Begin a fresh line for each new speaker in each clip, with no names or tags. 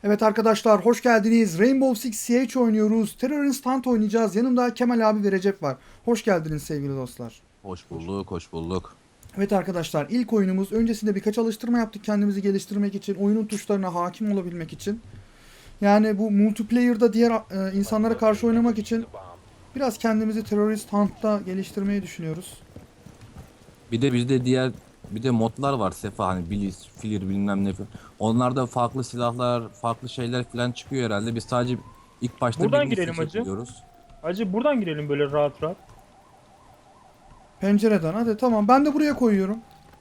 Evet arkadaşlar hoş geldiniz. Rainbow Six Siege oynuyoruz. Terrorist Hunt oynayacağız. Yanımda Kemal abi ve Recep var. Hoş geldiniz sevgili dostlar.
Hoş bulduk, hoş bulduk.
Evet arkadaşlar ilk oyunumuz. Öncesinde birkaç alıştırma yaptık kendimizi geliştirmek için. Oyunun tuşlarına hakim olabilmek için. Yani bu multiplayer'da diğer insanlara karşı oynamak için biraz kendimizi Terrorist Hunt'ta geliştirmeyi düşünüyoruz.
Bir de bizde bir de modlar var Sefa, hani Bliss, Flir bilmem ne falan. Onlarda farklı silahlar, farklı şeyler falan çıkıyor herhalde. Biz sadece ilk başta
Buradan
birini
girelim hacı.
seçebiliyoruz.
Hacı buradan girelim böyle rahat rahat.
Pencereden hadi tamam ben de buraya koyuyorum.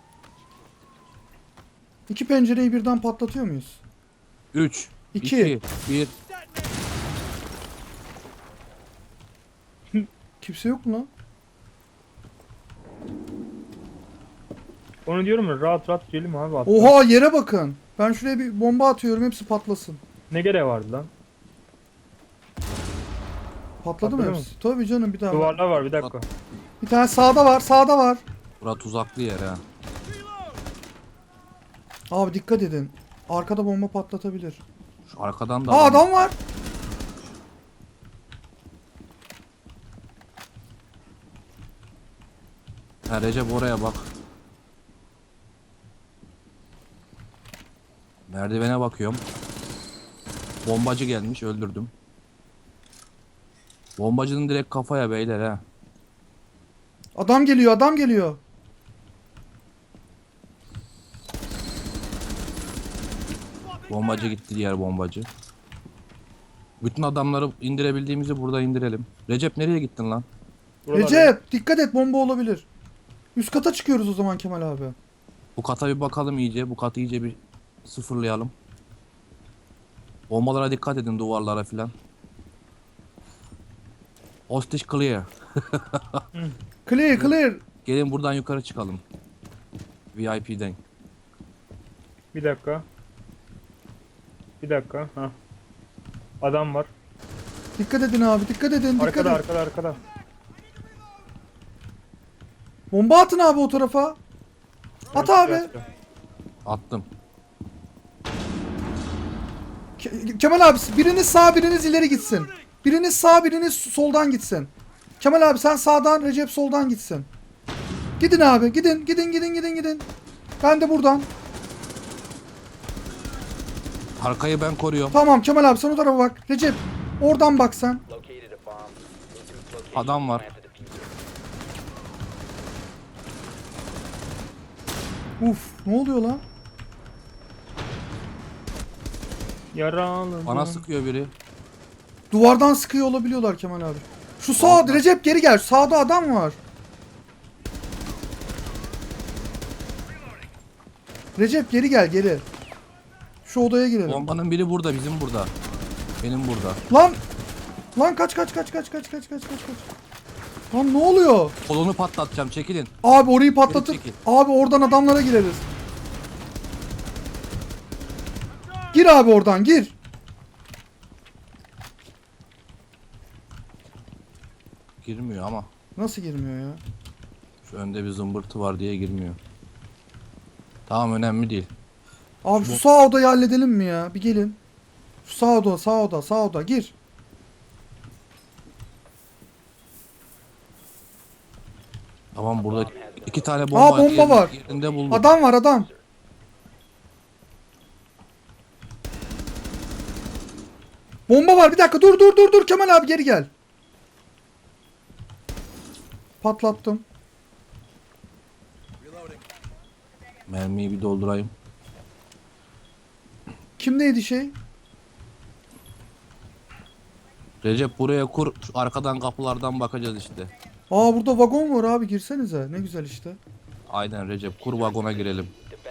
İki pencereyi birden patlatıyor muyuz?
3,
İki.
2, 1.
Kimse yok mu lan?
Onu diyorum ya, rahat rahat girelim abi hatta.
Oha yere bakın. Ben şuraya bir bomba atıyorum hepsi patlasın.
Ne gereği vardı lan?
Patladı mı
Patladı mı?
hepsi? Tabii canım bir daha.
Duvarlar var, bir dakika.
Bir tane sağda var, sağda var.
Bura tuzaklı yer ha.
Abi dikkat edin. Arkada bomba patlatabilir.
Şu arkadan da
Aa adam var.
Ha, Recep oraya bak. Merdivene bakıyorum. Bombacı gelmiş, öldürdüm. Bombacının direkt kafaya beyler ha.
Adam geliyor, adam geliyor.
Bombacı gitti, diğer bombacı. Bütün adamları indirebildiğimizi burada indirelim. Recep nereye gittin lan?
Buralar
Recep dikkat et bomba olabilir. Üst kata çıkıyoruz o zaman Kemal abi.
Bu kata bir bakalım iyice. Bu katı iyice bir sıfırlayalım. Bombalara dikkat edin, duvarlara filan. Hostage clear.
Clear clear.
Gelin buradan yukarı çıkalım. VIP'den.
Bir dakika. Bir dakika. Ha. Adam var.
Dikkat edin abi dikkat edin dikkat
Arkada,
edin.
arkada, arkada.
Bomba atın abi o tarafa. At abi.
Attım.
Kemal abi biriniz sağ biriniz ileri gitsin. Biriniz sağ biriniz soldan gitsin. Kemal abi sen sağdan Recep soldan gitsin. Gidin abi gidin gidin gidin gidin gidin. Ben de buradan.
Arkayı ben koruyorum.
Tamam Kemal abi sen o tarafa bak. Recep oradan bak sen.
Adam var.
Uf ne oluyor lan?
Yaralı.
Bana sıkıyor biri.
Duvardan sıkıyor olabiliyorlar Kemal abi. Şu sağ Recep geri gel. Sağda adam var. Recep geri gel geri. Şu odaya girelim.
Bombanın biri burada, bizim burada. Benim burada.
Lan! Lan kaç kaç kaç kaç kaç kaç kaç kaç kaç. Lan ne oluyor?
Kolonu patlatacağım, çekilin.
Abi orayı patlatıp
çekil.
abi oradan adamlara gireriz. Gir abi oradan gir.
Girmiyor ama.
Nasıl girmiyor ya?
Şu önde bir zımbırtı var diye girmiyor. Tamam, önemli değil.
Abi şu sağ odayı halledelim mi ya? Bir gelin. Şu sağ oda, sağ oda, sağ oda gir.
Tamam, burada iki tane
Aa, bomba var.
Yerinde buldum.
Adam var adam. Bomba var. Bir dakika dur dur dur dur Kemal abi geri gel. Patlattım.
Mermiyi bir doldurayım.
Kimdeydi şey?
Recep buraya kur. Şu arkadan kapılardan bakacağız işte.
Aa burada vagon var abi girsenize. Ne güzel işte.
Aynen Recep, kur vagona girelim.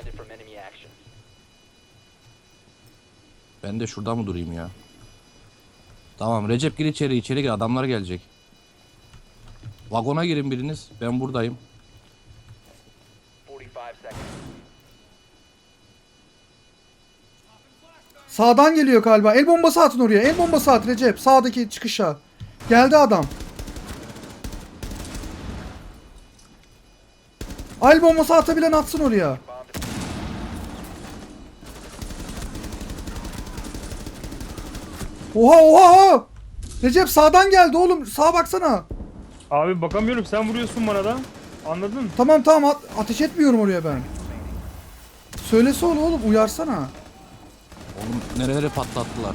Ben de şurada mı durayım ya? Tamam Recep, gir içeri, içeri gir, adamlar gelecek. Vagona girin biriniz, ben buradayım.
Sağdan geliyor galiba. El bombası atın oraya. El bombası at Recep. Sağdaki çıkışa. Geldi adam. El bombası atabilen atsın oraya. Oha oha oha. Recep sağdan geldi oğlum. Sağa baksana.
Abi bakamıyorum, sen vuruyorsun bana da. Anladın mı?
Tamam tamam ateş etmiyorum oraya ben. Söylese onu oğlum uyarsana.
Oğlum nereleri patlattılar.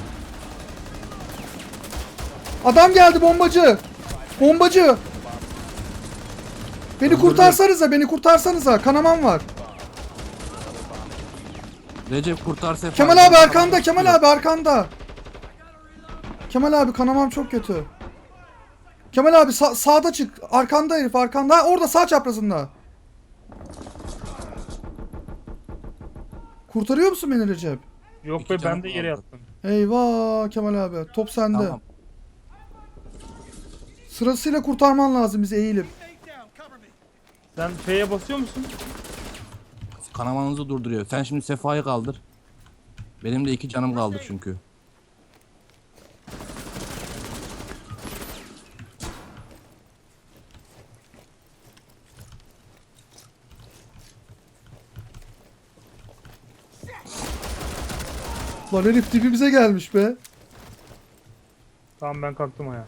Adam geldi bombacı. Bombacı. Beni kurtarsanıza, beni kurtarsanıza. Kanamam var.
Recep kurtar Sefa.
Kemal abi arkanda, Kemal abi arkanda. Kemal abi kanamam çok kötü. Kemal abi sağda çık. Arkanda herif arkanda. Ha, orada sağ çaprazında. Kurtarıyor musun beni Recep?
Yok
İki
be,
canım
ben de yere
kaldı.
yattım.
Eyvah Kemal abi. Top sende.
Tamam.
Sırasıyla kurtarman lazım bizi eğilip.
Sen F'ye basıyor musun?
Kanamanızı durduruyor. Sen şimdi Sefa'yı kaldır. Benim de 2 canım kaldı çünkü.
Lan herif dibimize gelmiş be.
Tamam, ben kalktım ayağa.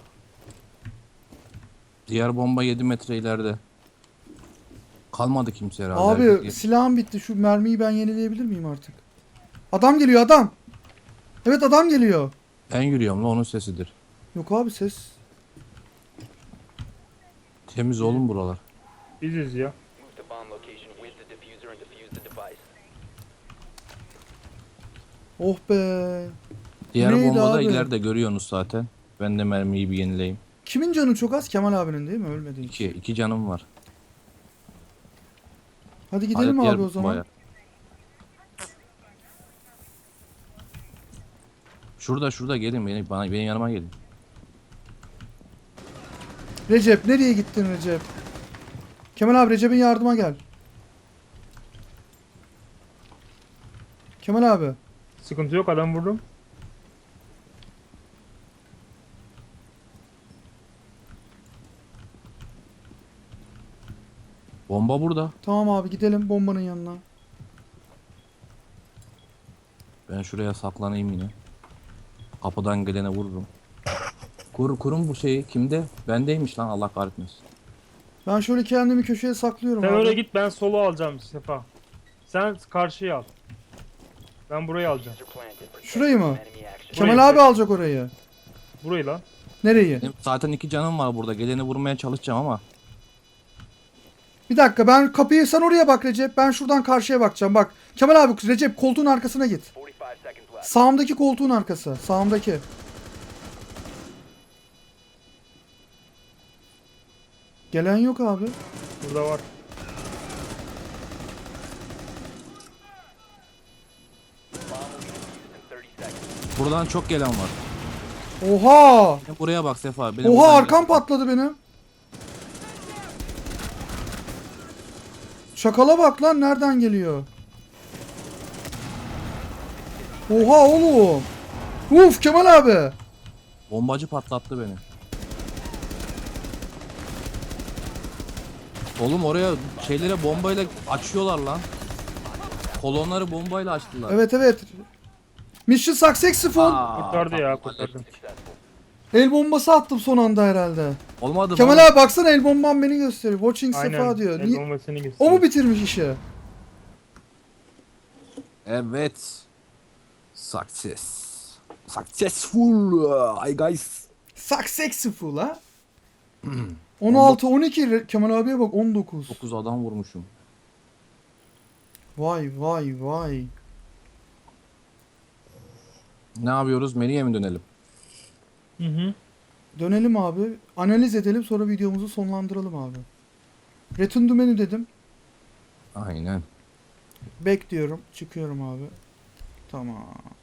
Diğer bomba 7 metre ileride. Kalmadı kimse herhalde.
Abi
Herkes-
silahım bitti. Şu mermiyi ben yenileyebilir miyim artık? Adam geliyor adam. Evet adam geliyor.
Ben yürüyorum la, onun sesidir.
Yok abi ses.
Temiz oğlum buralar.
Biziz ya.
Move to bomb location with the diffuser and defuse the device.
Oh be.
Diğer
Neydi
bomba da
abi?
ileride, görüyorsunuz zaten. Ben de mermiyi bir yenileyim.
Kimin canı çok az? Kemal abinin değil mi? Ölmedi hiç.
2 canım var.
Hadi gidelim
Diğer
abi o zaman.
bombaya. Şurada gelin, benim yanıma gelin.
Recep nereye gittin Recep? Kemal abi Recep'in yardıma gel. Kemal abi.
Sıkıntı yok, adam vurdum.
Bomba burada.
Tamam abi gidelim bombanın yanına.
Ben şuraya saklanayım yine. Kapıdan gelene vururum. Kurun bu şeyi kimde? Bendeymiş lan, Allah kahretmesin.
Ben şöyle kendimi köşeye saklıyorum
Sen
abi.
öyle git, ben solu alacağım Sefa. Sen karşıyı al. Ben burayı alacağım.
Diffuser planted. Protect
Şurayı mı?
from enemy action.
Kemal abi alacak orayı.
Burayı lan.
Nereyi?
Benim zaten 2 canım var burada. Geleni vurmaya çalışacağım ama.
Bir dakika ben kapıyı sen oraya bak Recep. Ben şuradan karşıya bakacağım. Bak Kemal abi Recep koltuğun arkasına git.
45 seconds left.
Sağımdaki koltuğun arkası. Sağımdaki. Gelen yok abi.
Burada var.
Bomb will be defused in 30 seconds.
Buradan çok gelen var.
Oha!
Sen buraya bak Sefa. Benim
Oha
buradan
arkam
gelen-
patladı benim. Şakala bak lan nereden geliyor? Oha oğlum. Uf Kemal abi.
Bombacı patlattı beni. Oğlum oraya şeylere bombayla açıyorlar lan. Kolonları bombayla açtılar.
Evet evet. Mission successful.
Kurtardı ya,
patladı.
kurtardı.
Successful.
El bombası attım son anda herhalde.
Olmadı mı?
Kemal abi baksana el bombam beni gösteriyor. Watching Sefa
Aynen.
diyor.
El
Niye-
bombasını
O
gösteriyor.
mu bitirmiş işi?
Evet. Success. Successful. Hi guys.
Successful ha? 16 12 Kemal abiye bak 19.
9 adam vurmuşum.
Vay vay vay.
Ne yapıyoruz? Menüye mi dönelim?
Hı hı.
Dönelim abi. Analiz edelim sonra videomuzu sonlandıralım abi. Return to menü dedim.
Aynen.
Back diyorum. Çıkıyorum abi. Tamam.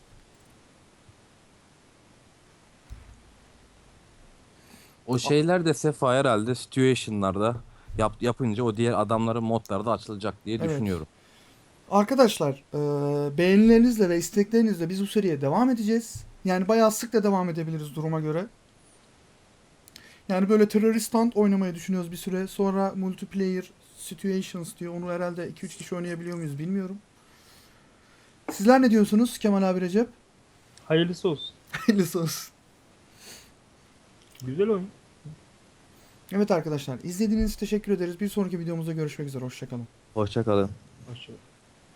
O şeyler de Sefa herhalde situation'larda yapınca o diğer adamların modlarda açılacak diye
Evet.
düşünüyorum.
Arkadaşlar beğenilerinizle ve isteklerinizle biz bu seriye devam edeceğiz. Yani bayağı sık da devam edebiliriz duruma göre. Yani böyle terörist hunt oynamayı düşünüyoruz bir süre. Sonra multiplayer situations diyor. Onu herhalde 2-3 kişi oynayabiliyor muyuz bilmiyorum. Sizler ne diyorsunuz Kemal abi Recep?
Hayırlısı olsun.
Hayırlısı olsun.
Güzel oyun.
Evet arkadaşlar, izlediğiniz için teşekkür ederiz. Bir sonraki videomuzda görüşmek üzere. Hoşçakalın.
Hoşça kalın.
Hoşçakalın.